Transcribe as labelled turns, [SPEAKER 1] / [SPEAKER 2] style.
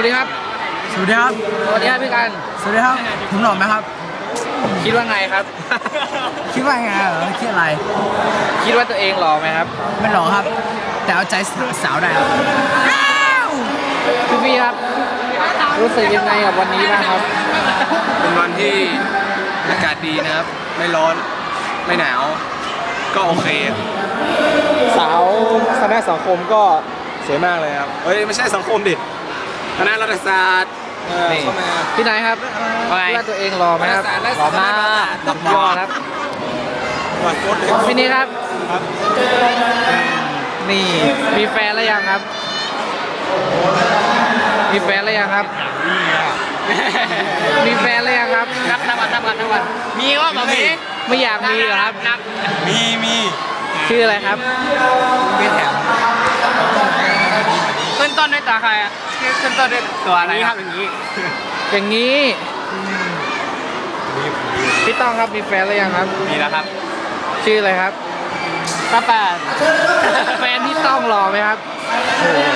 [SPEAKER 1] ดีครับ
[SPEAKER 2] สวัสดีครับ
[SPEAKER 1] สวัสดีครับพี่กัน
[SPEAKER 2] สวัสดีครับผมหล่อไหมครับ
[SPEAKER 1] คิดว่าไงครับ
[SPEAKER 2] คิดว่าไงเหรอคิดอะไร
[SPEAKER 1] คิดว่าตัวเองหล่อไหมครับ
[SPEAKER 2] ไม่หล่อครับแต่เอาใจสาวได้ครับ
[SPEAKER 1] พี่ครับรู้สึกยังไงกับวันนี้บ้างครับ
[SPEAKER 3] เป็นวันที่อากาศดีนะครับไม่ร้อนไม่หนาวก็โอเคสาวคณะสังคมก็สวยมากเลยครับเฮ้ยไม่ใช่สังคมดิคณะรัฐศาสตร์เข้ามา
[SPEAKER 1] พี่นายครับคิดว่าตัวเองหล่อไหมครับ
[SPEAKER 3] หล่อมาก
[SPEAKER 1] หล่อครับพี่นี่ครับนี่มีแฟนแล้วยังครับมีแฟนแล้วยังครับมีแฟนแล้วยังครับนับวันมีว่าแบบนี้ไม่อยากมีเหรอครับ
[SPEAKER 3] มี
[SPEAKER 1] ชื่ออะไรครับ
[SPEAKER 3] ไม่แถม
[SPEAKER 1] ขึ้นต้นด้วยตาใครอ่ะขึ้นต้นด้วยตัวอะไรครับอย่างนี้พี่ต้องครับมีแฟนแล้วยังครับ
[SPEAKER 3] มีแล้วครับ
[SPEAKER 1] ชื่ออะไรครับ
[SPEAKER 3] ป้า
[SPEAKER 1] แฟนพี่ต้องหล่อไหมครับ
[SPEAKER 3] โอ้โห